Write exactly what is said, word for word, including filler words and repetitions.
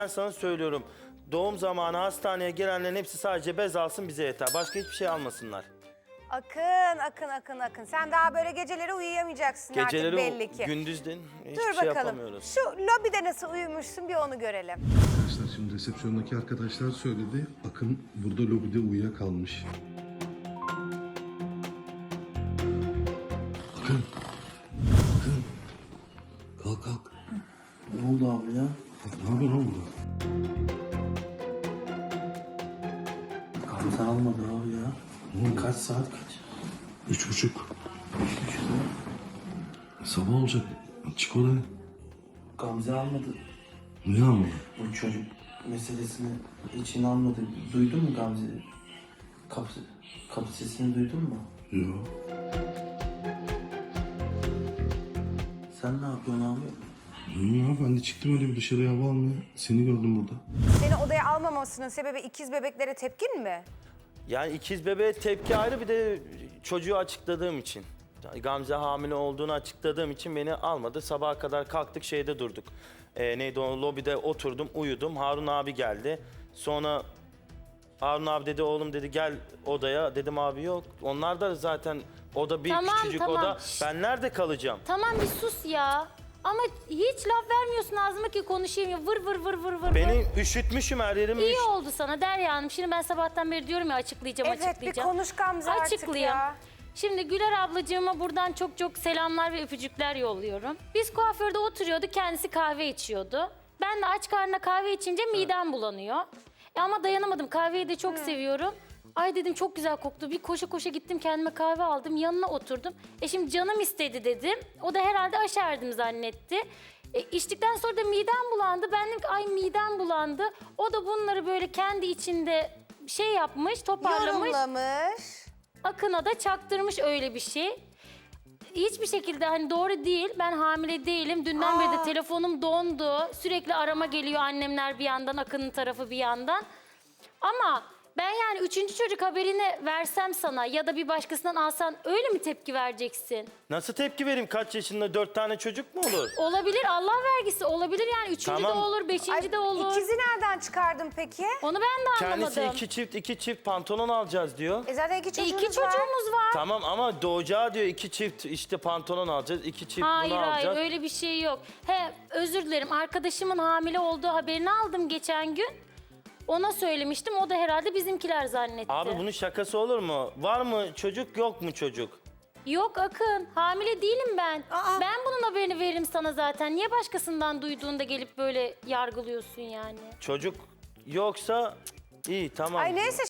Ben sana söylüyorum. Doğum zamanı hastaneye gelenlerin hepsi sadece bez alsın, bize yeter. Başka hiçbir şey almasınlar. Akın, Akın, Akın, Akın. Sen daha böyle geceleri uyuyamayacaksın Geceleri artık belli ki. gündüzden hiçbir Dur şey bakalım. yapamıyoruz. Şu lobide nasıl uyumuşsun bir onu görelim. Arkadaşlar şimdi resepsiyondaki arkadaşlar söyledi. Akın burada lobide uyuyakalmış. Akın. Akın. Kalk kalk. Ne oldu abi ya? Ne yapıyorsun oğlum burada? Gamze almadı abi ya. Oğlum Kaç saat kaç? Üç buçuk. Sabah olacak. Çık oraya. Gamze almadı. Niye ama? Bu çocuk meselesini içine almadı. Duydun mu Gamze? Kapı, kapı sesini duydun mu? Yok. Sen ne yapıyorsun abi? İyi ya, ben de çıktım öyle bir dışarıya hava almaya. Seni gördüm burada. Seni odaya almamasının sebebi ikiz bebeklere tepkin mi? Yani ikiz bebeğe tepki ayrı, bir de çocuğu açıkladığım için. Gamze hamile olduğunu açıkladığım için beni almadı. Sabaha kadar kalktık, şeyde durduk. Ee, neydi o, lobide oturdum, uyudum. Harun abi geldi. Sonra Harun abi dedi, oğlum dedi gel odaya. Dedim abi yok. Onlar da zaten oda bir Tamam, küçücük tamam. oda. Şşt. Ben nerede kalacağım? Tamam bir sus ya. Ama hiç laf vermiyorsun ağzıma ki konuşayım ya. Vır vır vır vır vır. Beni vır. üşütmüşüm, her yerim İyi üşütmüş. oldu sana Derya Hanım. Şimdi ben sabahtan beri diyorum ya açıklayacağım Evet bir açıklayacağım. konuş Gamze artık Açıklayayım. ya. Şimdi Güler ablacığıma buradan çok çok selamlar ve öpücükler yolluyorum. Biz kuaförde oturuyorduk, kendisi kahve içiyordu. Ben de aç karnına kahve içince midem bulanıyor. E ama dayanamadım, kahveyi de çok seviyorum. Ay dedim çok güzel koktu. Bir koşa koşa gittim kendime kahve aldım, yanına oturdum. E şimdi canım istedi dedim. O da herhalde aşerdim zannetti. E, içtikten sonra da midem bulandı. Ben dedim ki ay midem bulandı. O da bunları böyle kendi içinde şey yapmış, toparlamış. Yorumlamış. Akın'a da çaktırmış öyle bir şey. Hiçbir şekilde hani doğru değil. Ben hamile değilim. Dünden beri de telefonum dondu. Sürekli arama geliyor annemler bir yandan, Akın'ın tarafı bir yandan. Ama ben yani üçüncü çocuk haberini versem sana ya da bir başkasından alsan öyle mi tepki vereceksin? Nasıl tepki vereyim? Kaç yaşında dört tane çocuk mu olur? Olabilir, Allah vergisi olabilir yani. Üçüncü Tamam. de olur, beşinci Ay, de olur. İkizi nereden çıkardın peki? Onu ben de anlamadım. Kendisi iki çift iki çift pantolon alacağız diyor. E zaten iki E, çocuğunuz İki var. çocuğumuz var. Tamam ama doğacağı diyor iki çift işte pantolon alacağız, iki çift Hayır bunu alacağız. hayır öyle bir şey yok. He özür dilerim, arkadaşımın hamile olduğu haberini aldım geçen gün. Ona söylemiştim, o da herhalde bizimkiler zannetti. Abi bunun şakası olur mu? Var mı çocuk, yok mu çocuk? Yok Akın, hamile değilim ben. Aa. Ben bunun haberini veririm sana zaten. Niye başkasından duyduğunda gelip böyle yargılıyorsun yani? Çocuk yoksa iyi tamam. Ay neyse